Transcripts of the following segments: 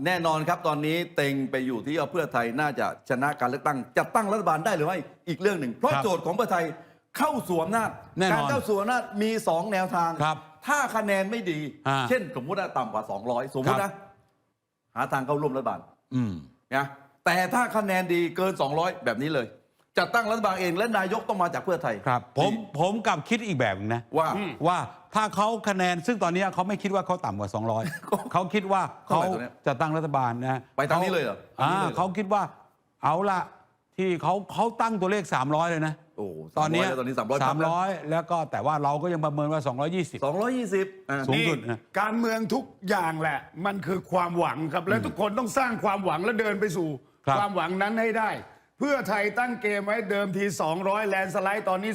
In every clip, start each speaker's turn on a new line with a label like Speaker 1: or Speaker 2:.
Speaker 1: แน่นอนครับตอนนี้เต็งไปอยู่ที่เพื่อไทยน่าจะชนะการเลือกตั้งจัดตั้งรัฐบาลได้หรือไม่อีกเรื่องหนึ่งเพราะโจทย์ของเพื่อไทยเข้าสวมอำนาจการเข้าสวมอำนาจมี2แนวทางถ้าคะแนนไม่ดีเช่นสมมติว่าต่ำกว่า200สมมตินะหาทางเข้าร่วมรัฐบาลนะแต่ถ้าคะแนนดีเกิน200แบบนี้เลยจัดตั้งรัฐบาลเองและนายกต้องมาจากเพื่อไทย
Speaker 2: ครับผมกลับคิดอีกแบบนึงนะว่าถ้าเขาคะแนนซึ่งตอนนี้เขาไม่คิดว่าเขาต่ำกว่า200เขาคิดว่าเขาจะตั้งรัฐบาลนะ
Speaker 1: ไปทางนี้เลยเหรอ
Speaker 2: เขาคิดว่าเอาละที่เขาตั้งตัวเลข300เลยนะตอนนี้300แล้วก็แต่ว่าเราก็ยังประเมินว่า220สูงสุดนะ
Speaker 3: การเมืองทุกอย่างแหละมันคือความหวังครับและทุกคนต้องสร้างความหวังและเดินไปสู่ความหวังนั้นให้ได้เพื่อไทยตั้งเกมไว้เดิมที200แลนสไลด์ตอนนี้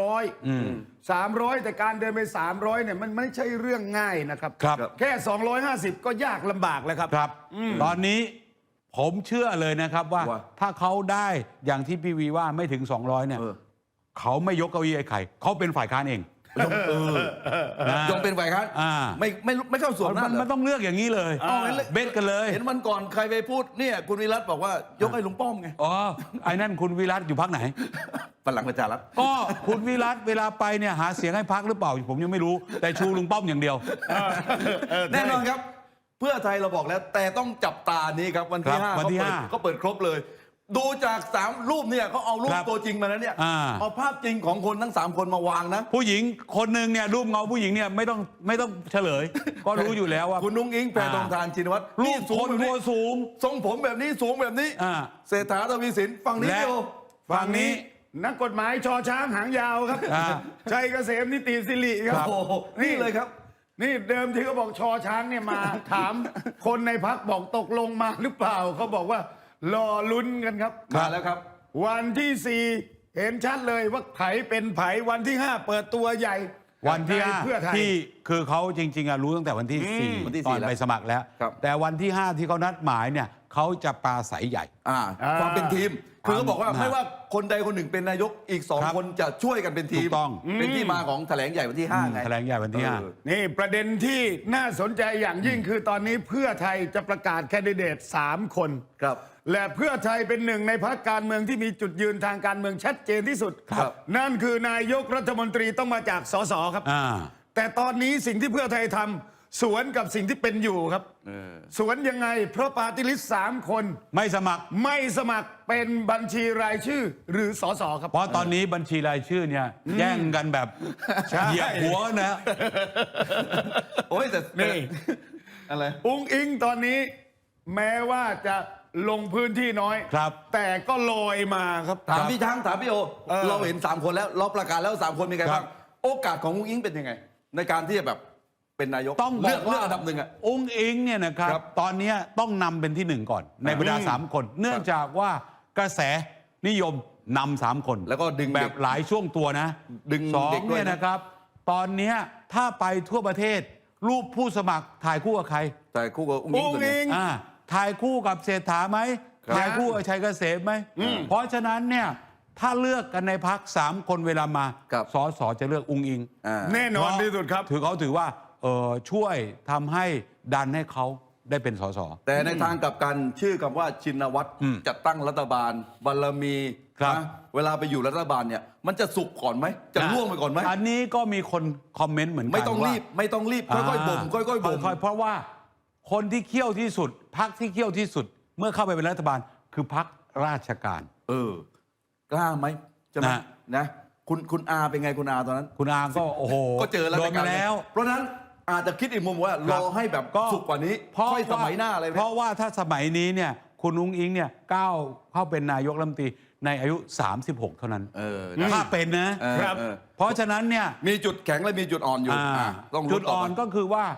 Speaker 3: 300แต่การเดินไป300เนี่ยมันไม่ใช่เรื่องง่ายนะครับแค่250ก็ยากลำบากแล้วครับ
Speaker 2: ตอนนี้ผมเชื่อเลยนะครับว่าถ้าเขาได้อย่างที่พี่วีว่าไม่ถึง200เนี่ยเขาไม่ยกเก้าอี้ไอ้ไข่เขาเป็นฝ่ายค้านเอง
Speaker 1: ยงเป็นฝ่ายค้านไม่เข้าสวมนั่น
Speaker 2: มันต้องเลือกอย่างนี้เลยเบ็ดกันเลย
Speaker 1: เห็นวันก่อนใครไปพูดเนี่ยคุณวิรัตบอกว่ายกให้ลุงป้อมไง
Speaker 2: ไอ้นั่นคุณวิรัตอยู่พรรคไหน
Speaker 1: พลังประชารัฐ
Speaker 2: ก็คุณวิรัตเวลาไปเนี่ยหาเสียงให้พรรคหรือเปล่าผมยังไม่รู้แต่ชูลุงป้อมอย่างเดียว
Speaker 1: แน่นอนครับเพื่อไทยเราบอกแล้วแต่ต้องจับตานี้ครับวันที่5ก็เปิดครบเลยดูจาก3รูปเนี่ยเขาเอารูปตัวจริงมาแล้วเนี่ยเอาภาพจริงของคนทั้ง3คนมาวางนะ
Speaker 2: ผู้หญิงคนหนึ่งเนี่ยรูปเงาผู้หญิงเนี่ยไม่ต้องเฉลยก็รู้อยู่แล้วว่า
Speaker 1: คุณนุ้งอิงแพทองธารชินวัตร
Speaker 2: รูปคนตัวสูง
Speaker 1: ทรงผมแบบนี้สูงแบบนี้เศรษฐาทวีสินฝั่งนี้โย
Speaker 2: ฝั่งนี้
Speaker 3: นักกฎหมายชอช้างหางยาวครับชัยเกษมนิติสิริครับ
Speaker 1: นี่เลยครับ
Speaker 3: นี่เดิมที่เขาบอกชอช้างเนี่ยมาถามคนในพรรคบอกตกลงมาหรือเปล่าเขาบอกว่ารอลุ้นกันครับ
Speaker 1: มาแล้วครับ
Speaker 3: วันที่4เห็นชัดเลยว่าไผเป็นไผวันที่5เปิดตัวใหญ่
Speaker 2: วันที่5ที่คือเขาจริงๆรู้ตั้งแต่วันที่4ตอนไปสมัครแล้วแต่วันที่5ที่เขานัดหมายเนี่ยเขาจะปราศัยใหญ่
Speaker 1: ความเป็นทีมคือเขาบอกว่าไม่ว่าคนใดคนหนึ่งเป็นนายกอีก2คนจะช่วยกันเป็นทีมเป็นที่มาของแถลงใหญ่วันที่5ไง
Speaker 2: แถลงใหญ่วันที่
Speaker 3: 5นี่ประเด็นที่น่าสนใจอย่างยิ่งคือตอนนี้เพื่อไทยจะประกาศแคนดิเดต3คน
Speaker 1: ครับ
Speaker 3: และเพื่อไทยเป็นหนึ่งในพรรคการเมืองที่มีจุดยืนทางการเมืองชัดเจนที่สุดนั่นคือนายกรัฐมนตรีต้องมาจากสสครับแต่ตอนนี้สิ่งที่เพื่อไทยทำสวนกับสิ่งที่เป็นอยู่ครับสวนยังไงเพราะปาร์ตี้ลิสต์3คน
Speaker 2: ไม่สมัคร
Speaker 3: เป็นบัญชีรายชื่อหรือสสครับ
Speaker 2: เพราะตอนนี้บัญชีรายชื่อเนี่ยแย่งกันแบบเหยียบหัวนะ
Speaker 1: โอ้ยแต่
Speaker 3: นี่
Speaker 1: อะไร
Speaker 3: อุ้งอิงตอนนี้แม้ว่าจะลงพื้นที่น้อยแต่ก็ลอยมาครับ
Speaker 1: ถามพี่ช้างถามพี่โอเราเห็น3คนแล้วเราประกาศแล้ว3คนมีใครบ้างโอกาสของอุ้งอิงเป็นยังไงในการที่จะแบบเป็นนายก
Speaker 2: ต้องเลือก
Speaker 1: อันดับหนึ่ง
Speaker 2: อุ้งอิงเนี่ยนะครับตอนนี้ต้องนำเป็นที่1ก่อนในบรรดา3คนเนื่องจากว่ากระแสนิยมนำ3คน
Speaker 1: แล้วก็ดึง
Speaker 2: แบบหลายช่วงตัวนะ
Speaker 1: ดึง
Speaker 2: 2เนี่ยนะครับตอนนี้ถ้าไปทั่วประเทศรูปผู้สมัครถ่ายคู่กับใคร
Speaker 1: ถ่ายคู่กับอุ้งอิง
Speaker 2: ถ่ายคู่กับเศรษฐาไหมถ่ายคู่กับชัยเกษมไหมเพราะฉะนั้นเนี่ยถ้าเลือกกันในพรรค3คนเวลามาสสจะเลือกอุ้งอิง
Speaker 3: แน่นอนที่สุดครับ
Speaker 2: เขาถือว่าช่วยทำให้ดันให้เขาได้เป็นสส
Speaker 1: แต่ในทางกลับกันชื่อคำว่าชินวัตรจัดตั้งรัฐบาลบารมีนะเวลาไปอยู่รัฐบาลเนี่ยมันจะสุกก่อนไหมจะล่วงไปก่อนไหม
Speaker 2: อันนี้ก็มีคนคอมเมนต์เหมือนกัน
Speaker 1: ไม่ต้องรีบค่อยๆบ่มค่อยๆบ่ม
Speaker 2: เพราะว่าคนที่เขี้ยวที่สุดพรรคที่เขี้ยวที่สุดเมื่อเข้าไปเป็นรัฐบาลคือพรรคราชการ
Speaker 1: กล้าไหมใช่ไหมนะคุณอาเป็นไงคุณอาตอนนั้น
Speaker 2: คุณอาก็โอ้โห
Speaker 1: ก็เจอแล้วเพราะนั้นอาจจะคิดอีกมุมว่ารอให้แบบสุกกว่านี้ค่อยสมัยหน้าอะไร
Speaker 2: เพราะว่าถ้าสมัยนี้เนี่ยคุณอุ้งอิงเนี่ยก้าวเข้าเป็นนายกรัฐมนตรีในอายุ36เท่านั้นถ้าเป็นนะครับเพราะฉะนั้นเนี่ย
Speaker 1: มีจุดแข็งและมีจุดอ่อนอยู่
Speaker 2: จุดอ่อนก็คือว่า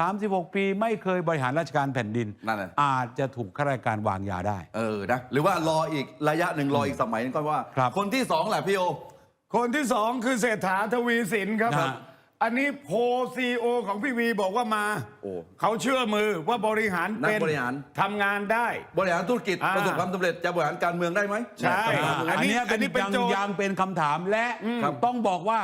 Speaker 2: 36 ปีไม่เคยบริหารราชการแผ่นดินอาจจะถูกข้าราชการวางยาได้
Speaker 1: นะหรือว่ารออีกระยะหนึ่งรออีกสมัยนึงก็ว่าคนที่2แหละพี่โอ
Speaker 3: คนที่2คือเศรษฐาทวีสินครับอันนี้โพซีโอของพี่วีบอกว่ามาเขาเชื่อมือว่าบริหารเป็นทำงานได้
Speaker 1: บริหารธุรกิจประสบความสำเร็จจะบริหารการเมืองได้ไหม
Speaker 2: ใช่อันนี้เป็นยังเป็นคำถามและต้องบอกว่า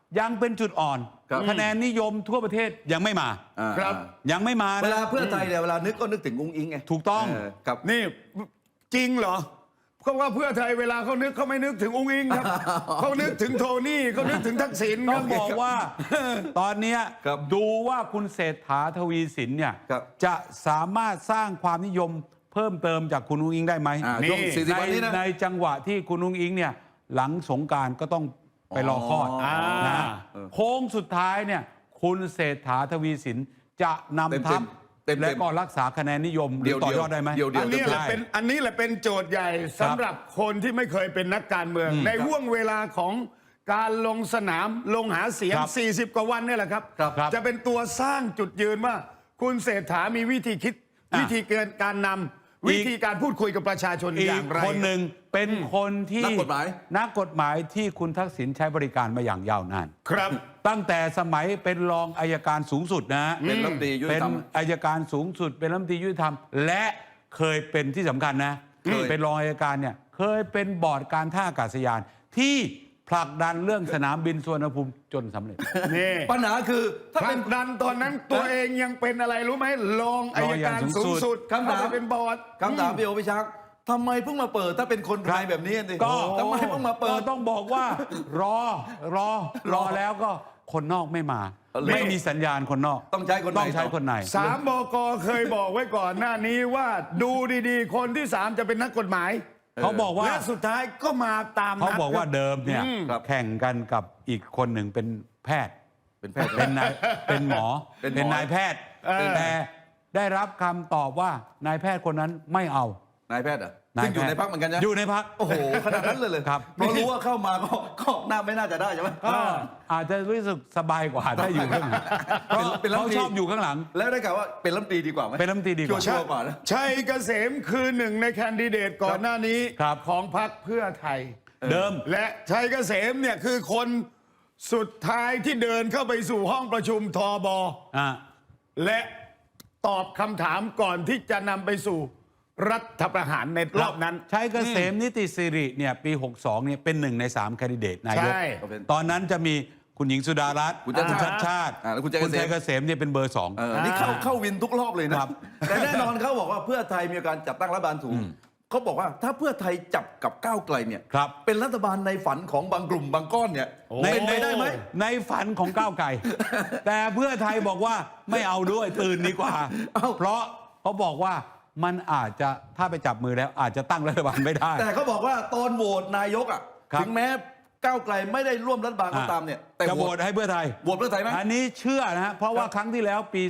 Speaker 2: ยังเป็นจุดอ่อน
Speaker 1: ครับ
Speaker 2: คะแนนนิยมทั่วประเทศยังไม่มา
Speaker 3: ครับ
Speaker 2: ยังไม่มา
Speaker 1: เว
Speaker 2: นะ
Speaker 1: ลาเพื่อไทยเนี่ยเวลานึกก็นึกถึงอุ้งอิงไง
Speaker 2: ถูกต้อง
Speaker 1: ครับ
Speaker 3: นี่จริงเหรอเพราะว่าเพื่อไทยเวลาเขานึกเขาไม่นึกถึงอุ้งอิงครับ เขานึกถึงโทนี่เขานึกถึงทักษิณค
Speaker 2: ต้
Speaker 3: รั
Speaker 2: อบ งบอกว่าตอนเนี้ย
Speaker 1: ครับ
Speaker 2: ดูว่าคุณเศรษฐาทวีสินเนี่ย
Speaker 1: ครับ
Speaker 2: จะสามารถสร้างความนิยมเพิ่มเติมจากคุณอุ้งอิงได้ไหม
Speaker 1: ช่วง40 วันนี้นะ
Speaker 2: ในจังหวะที่คุณอุ้งอิงเนี่ยหลังสงกรานต์ก็ต้องไปรอคลอด นะโค้งสุดท้ายเนี่ยคุณเศรษฐาทวีสินจะนำทัพ
Speaker 1: เต็มๆ
Speaker 2: และก็รักษาคะแนนนิยมหรือต่อยอดได้ไหม
Speaker 1: เดี๋ยว
Speaker 3: อันนี้แหละ
Speaker 2: ได้
Speaker 3: เป็นอันนี้แหละเป็นโจทย์ใหญ่สำหรับคนที่ไม่เคยเป็นนักการเมือง ในห่วงเวลาของการลงสนามลงหาเสียง
Speaker 2: ครับ
Speaker 3: 40 กว่าวันเนี่ยแหละครับ
Speaker 2: ครับ
Speaker 3: จะเป็นตัวสร้างจุดยืนว่า คุณเศรษฐามีวิธีคิด วิธีการนำวิธีการพูดคุยกับประชาชน
Speaker 2: อี
Speaker 3: อย่าก งไร
Speaker 2: คนหนึ่งเป็นคนที่
Speaker 1: นักกฎหมาย
Speaker 2: นักกฎหมายที่คุณทักษิณใช้บริการมาอย่างยาวนาน
Speaker 3: ครับ
Speaker 2: ตั้งแต่สมัยเป็นรองอัยการสูงสุดนะฮะ
Speaker 1: เป็นรัฐมนตรียุติธรรม
Speaker 2: เป็นอัยการสูงสุด เป็นรัฐมนตรียุติธรรม และเคยเป็นที่สำคัญนะ
Speaker 1: เคย
Speaker 2: เป็นรองอัยการเนี่ยเคยเป็นบอร์ดการท่าอากาศยาน ที่ผลักดันเรื่องสนามบินสุวรรณภูมิจนสำเร็จ
Speaker 3: นี่
Speaker 1: ปัญหาคือถ้า
Speaker 3: ผ
Speaker 1: เป็
Speaker 3: ลั
Speaker 1: น
Speaker 3: กดันตอนนั้นตัวเองยังเป็นอะไรรู้ไหมรองอัยการสูงสุด
Speaker 1: คำถาม
Speaker 3: เข้ไปเป็นบอร์ด
Speaker 1: คำถามพี่โอพิชักทำไมเพิ่งมาเปิดถ้าเป็นคนไทยแบบนี้สิ
Speaker 2: ก็
Speaker 1: ทำไมเพิ่งมาเปิ
Speaker 2: ก็
Speaker 1: ด
Speaker 2: ต้องบอกว่ารอแล้วก็คนนอกไม่มา ไม่มีสัญญาณคนนอก
Speaker 1: ต้องใช้คนใน
Speaker 2: ต้องใช้คนใน
Speaker 3: สามบกเคยบอกไว้ก่อนหน้านี้ว่าดูดีๆ คนที่ 3 จะเป็นนักกฎหมาย
Speaker 2: เขาบอกว่า
Speaker 3: และสุดท้ายก็มาตาม
Speaker 2: เขา
Speaker 3: นัด
Speaker 2: บอกว่า
Speaker 3: ครับ
Speaker 2: เดิมเนี่ย
Speaker 1: ครับ
Speaker 2: แข่งกันกับอีกคนหนึ่งเป็นแพทย์
Speaker 1: เป็นแพทย์
Speaker 2: เป็นนายเป็นหมอ
Speaker 1: เป็นหมอ
Speaker 2: เป็นนายแพทย์ แต่ได้รับคำตอบว่านายแพทย์คนนั้นไม่เอา
Speaker 1: นายแพทย์เหรอ่ะ
Speaker 2: นาย
Speaker 1: ซึ่งอยู่
Speaker 2: แพทย์
Speaker 1: ในพักเหมือนกันนะ
Speaker 2: อยู่ในพัก
Speaker 1: โอ้โหขนาดนั้นเลย
Speaker 2: ครับ
Speaker 1: เพราะรู้ว่าเข้ามาก็น่าไม่น่าจะได้ใช่ไหม
Speaker 2: ก็อาจจะรู้สึกสบายกว่าถ้าอยู่ข้างหลังเพราะ
Speaker 1: เป็นรัฐม
Speaker 2: เขา
Speaker 1: นตรี
Speaker 2: ชอบอยู่ข้างหลัง
Speaker 1: แล้วได้กล่าวว่าเป็นรัฐมนตรีดีกว่าไหม
Speaker 2: เป็นรัฐมนตรีดีกว่า
Speaker 1: ชัวร์กว่านะ
Speaker 3: ชัยเกษมคือหนึ่งในแคนดิเดตก่อนหน้านี้
Speaker 2: ครับ
Speaker 3: ของพรรคเพื่อไทย
Speaker 2: เดิม
Speaker 3: และชัยเกษมเนี่ยคือคนสุดท้ายที่เดินเข้าไปสู่ห้องประชุมทบ
Speaker 2: อ่า
Speaker 3: และตอบคำถามก่อนที่จะนำไปสู่รัฐประหารในรอบนั้น
Speaker 2: ชัยเกษมนิติสิริเนี่ยปี 62เนี่ยเป็นหนึ่งใน3แคนดิเดตนายก
Speaker 3: ใช่
Speaker 2: ตอนนั้นจะมีคุณหญิงสุดารัตน์
Speaker 1: คุณชัดชาติ
Speaker 2: ชาติ
Speaker 1: แล้วคุณชัยเกษม
Speaker 2: ชัยเกษมเนี่ยเป็นเบอร์ 2
Speaker 1: นี่เข้าวินทุกรอบเลยนะครับ แต่แน่นอนเขาบอกว่าเพื่อไทยมีการจัดตั้งรัฐบาลสูงเขาบอกว่าถ้าเพื่อไทยจับกับก้าวไกลเนี่ย
Speaker 2: ครับ
Speaker 1: เป็นรัฐบาลในฝันของบางกลุ่มบางก้อนเนี่ยเป็นไปได้ไหม
Speaker 2: ในฝันของก้าวไกล แต่เพื่อไทยบอกว่าไม่เอาด้วยตื่นดีกว่า
Speaker 1: เอ้า
Speaker 2: เพราะเขาบอกว่ามันอาจจะถ้าไปจับมือแล้วอาจจะตั้งรัฐบาลไม่ได้
Speaker 1: แต่เขาบอกว่าตอนโหวตนายกอ่ะ
Speaker 2: ครับ
Speaker 1: ถึงแม้ก้าวไกลไม่ได้ร่วมรัฐบาลก็ตามเนี่ยแต่
Speaker 2: จะโหวตให้เพื่อไทย
Speaker 1: โหวตเพื่อไทยไหม
Speaker 2: อันนี้เชื่อนะฮะเพราะว่าครั้งที่แล้วปี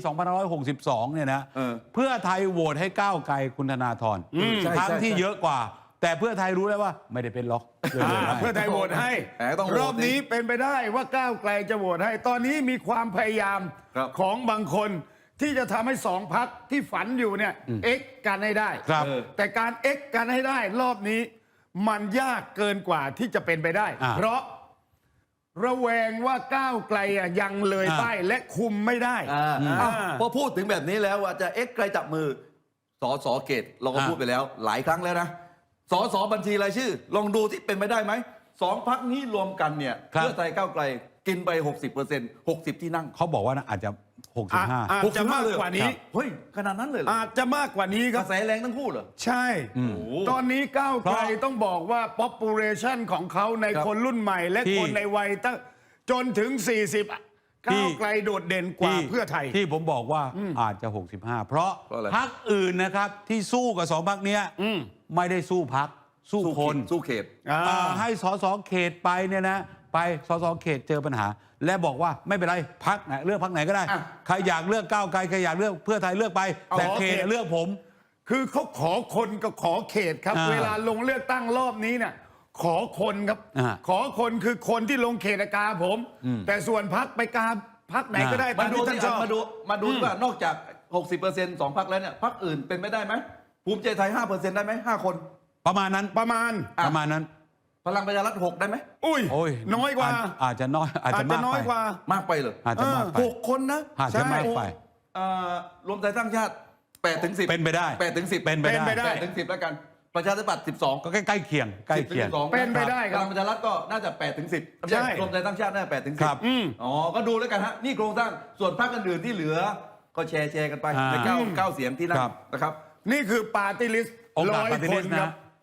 Speaker 2: 2562 เนี่ยนะ เพื่อไทยโหวตให้ก้าวไกลคุณธนาธร
Speaker 1: ใช่
Speaker 2: ครั้งที่
Speaker 1: ใช่
Speaker 2: เยอะกว่า แต่เพื่อไทยรู้แล้วว่าไม่ได้เป็นล็อกเลยโหวตให้
Speaker 3: เพื่อไทยโหวตให้
Speaker 1: แต่ต้องโหวต
Speaker 3: รอบนี้เป็นไปได้ว่าก้าวไกลจะโหวตให้ ตอนนี้มีความพยายาม
Speaker 1: ครับ
Speaker 3: ของบางคนที่จะทำให้สองพักที่ฝันอยู่เนี่ยเอ็กกันให้ได้
Speaker 2: ครับ
Speaker 3: แต่การเอ็กกันให้ได้ รอบนี้มันยากเกินกว่าที่จะเป็นไปได้ เพราะระแวงว่าก้าวไกลยังเลยป้ายและคุมไม่ได้
Speaker 1: พอพูดถึงแบบนี้แล้วว่าจะเอ็กไกลจับมือสเกตเราก็พูดไปแล้วหลายครั้งแล้วนะสบัญชีรายชื่อ ลองดูที่เป็นไปได้ไหมสองพักนี้รวมกันเนี่ย
Speaker 2: ครับ
Speaker 1: เพื่อไทยก้าวไกลกินไป 60% 60 ที่นั่ง
Speaker 2: เขาบอกว่าอาจจะ 65
Speaker 3: อาจจะมากกว่านี้
Speaker 1: เฮ้ยขนาดนั้นเลยเหรอ
Speaker 3: อาจจะมากกว่านี้ค
Speaker 1: ก
Speaker 3: รั
Speaker 1: ระ
Speaker 3: บ
Speaker 1: แสแรงทั้งคู่เหรอ
Speaker 3: ใช่ ตอนนี้ก้าวไกลต้องบอกว่า population ของเขาใน
Speaker 1: ครับ
Speaker 3: คนรุ่นใหม่ และ
Speaker 2: ที่
Speaker 3: คนในวัยตั้งจนถึง 40ก้าวไกลโดดเด่นกว่าเพื่อไทย
Speaker 2: ที่ผมบอกว่าอาจจะ 65 เพราะ
Speaker 1: เพราะอะไร
Speaker 2: พักอื่นนะครับที่สู้กับสองพักเนี้ยไม่ได้สู้พักสู้คน
Speaker 1: สู้เขต
Speaker 2: ให้สสเขตไปเนี่ยนะ ไปสสเขตเจอปัญหา และบอกว่าไม่เป็นไรพักไหนเลือกพักไหนก็ได้
Speaker 1: อ่ะ
Speaker 2: ใครอยากเลือกก้าวไกลใครอยากเลือกเพื่อไทยเลือกไป แต่
Speaker 3: ขอ
Speaker 2: เขต
Speaker 3: เขต
Speaker 2: เลือกผม
Speaker 3: คือเขาขอคนกับขอเขตครับ
Speaker 2: อ่า
Speaker 3: เวลาลงเลือกตั้งรอบนี้เนี่ยขอคนครับ
Speaker 2: อ่า
Speaker 3: ขอคนคือคนที่ลงเขตกาผม แต่ส่วนพักไปกาพักไหนก็ได้
Speaker 1: มา
Speaker 3: ตาม
Speaker 1: ดู
Speaker 3: ที่ท่านชอบ
Speaker 1: มาดูว่านอกจาก 60% 2 พักแล้วเนี่ยพักอื่นเป็นไปได้ไหมภูมิใจไทย 5% ได้ไหม5 คน
Speaker 2: ประมาณนั้น
Speaker 3: ประมาณ
Speaker 2: ประมาณนั้น
Speaker 1: พลังประชารัฐ6ได้ไหม
Speaker 3: อุ้ย
Speaker 2: โอ้ย
Speaker 3: น้อยกว่า
Speaker 2: อาจจะน้อยอาจจะมาก
Speaker 3: น้อ
Speaker 2: ไป
Speaker 3: ยกว่า
Speaker 1: มากไปเหรอ
Speaker 2: อาจจะมากไป
Speaker 1: 6 คนนะ
Speaker 2: อาจจะมากไป
Speaker 1: รวมไทยสร้างชาติ8 ถึง 10
Speaker 2: เป็นไปได้
Speaker 1: 8 ถึง 10
Speaker 2: เป็นไปได้
Speaker 3: เป็นไปได้
Speaker 1: 8 ถึง 10 แล้วกันประชาธิปัตย์12
Speaker 2: ก็ใกล้เคียงใกล้เคียง
Speaker 1: 12
Speaker 3: เป็นไปได้ครับ
Speaker 1: พลังประชารัฐก็น่าจะ8 ถึง 10
Speaker 3: ใช่
Speaker 1: รวมไทยสร้างชาติน่าจะ8 ถึง
Speaker 2: ครับ
Speaker 1: 10อ๋อก็ดูแล้วกันฮะนี่โครงสร้างส่วนพรรคอื่นๆที่เหลือก็แชร์กันไปใน9 เสียงที่นั่นนะครับ
Speaker 3: นี่คือปาร์ตี้ลิสต์
Speaker 2: โอกาส
Speaker 3: 100
Speaker 2: ปฏิ
Speaker 3: ค
Speaker 2: ริ
Speaker 3: น
Speaker 2: ษี
Speaker 3: ครั
Speaker 2: นะ
Speaker 3: บ